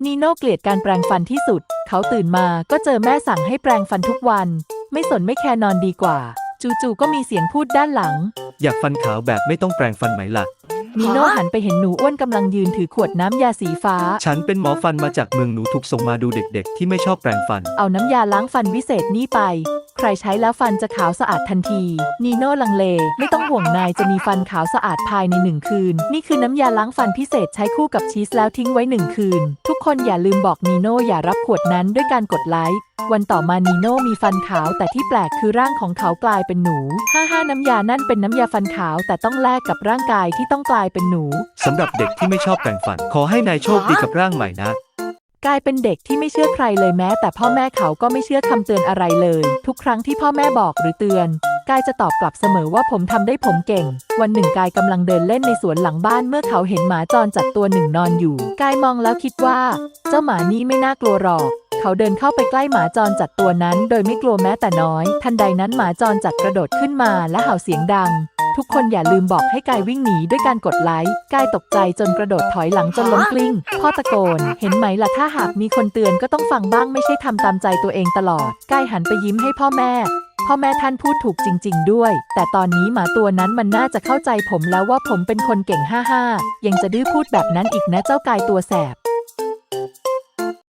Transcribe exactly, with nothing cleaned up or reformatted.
นีโน่เกลียดการแปรงฟันที่สุดเขาตื่นมาก็เจอแม่สั่งให้แปรงฟันทุกวันไม่สนไม่แคร์นอนดีกว่าจู่ๆก็มีเสียงพูดด้านหลังอยากฟันขาวแบบไม่ต้องแปรงฟันไหมล่ะนีโน่หันไปเห็นหนูอ้วนกำลังยืนถือขวดน้ำยาสีฟ้าฉันเป็นหมอฟันมาจากเมืองหนูถูกส่งมาดูเด็กๆที่ไม่ชอบแปรงฟันเอาน้ำยาล้างฟันวิเศษนี่ไปใครใช้แล้วฟันจะขาวสะอาดทันทีนีโน่ลังเลไม่ต้องห่วงนายจะมีฟันขาวสะอาดภายในหนึ่งคืนนี่คือน้ำยาล้างฟันพิเศษใช้คู่กับชีสแล้วทิ้งไว้หนึ่งคืนทุกคนอย่าลืมบอกนีโน่อย่ารับขวดนั้นด้วยการกดไลค์วันต่อมานีโน่มีฟันขาวแต่ที่แปลกคือร่างของเขากลายเป็นหนูฮ่าฮ่าน้ำยานั่นเป็นน้ำยาฟันขาวแต่ต้องแลกกับร่างกายที่ต้องกลายเป็นหนูสำหรับเด็กที่ไม่ชอบแปรงฟันขอให้นายโชคดีกับร่างใหม่นะกลายเป็นเด็กที่ไม่เชื่อใครเลยแม้แต่พ่อแม่เขาก็ไม่เชื่อคำเตือนอะไรเลยทุกครั้งที่พ่อแม่บอกหรือเตือนกายจะตอบกลับเสมอว่าผมทำได้ผมเก่งวันหนึ่งกายกำลังเดินเล่นในสวนหลังบ้านเมื่อเขาเห็นหมาจรจัดตัวหนึ่งนอนอยู่กายมองแล้วคิดว่าเจ้าหมานี้ไม่น่ากลัวหรอกเขาเดินเข้าไปใกล้หมาจรจัดตัวนั้นโดยไม่กลัวแม้แต่น้อยทันใดนั้นหมาจรจัดกระโดดขึ้นมาและเห่าเสียงดังทุกคนอย่าลืมบอกให้กายวิ่งหนีด้วยการกดไลค์กายตกใจจนกระโดดถอยหลังจนล้มกลิ้งพ่อตะโกนเห็นไหมล่ะถ้าหากมีคนเตือนก็ต้องฟังบ้างไม่ใช่ทำตามใจตัวเองตลอดกายหันไปยิ้มให้พ่อแม่พ่อแม่ท่านพูดถูกจริงๆด้วยแต่ตอนนี้หมาตัวนั้นมันน่าจะเข้าใจผมแล้วว่าผมเป็นคนเก่งฮ่าๆยังจะดื้อพูดแบบนั้นอีกนะเจ้ากายตัวแสบ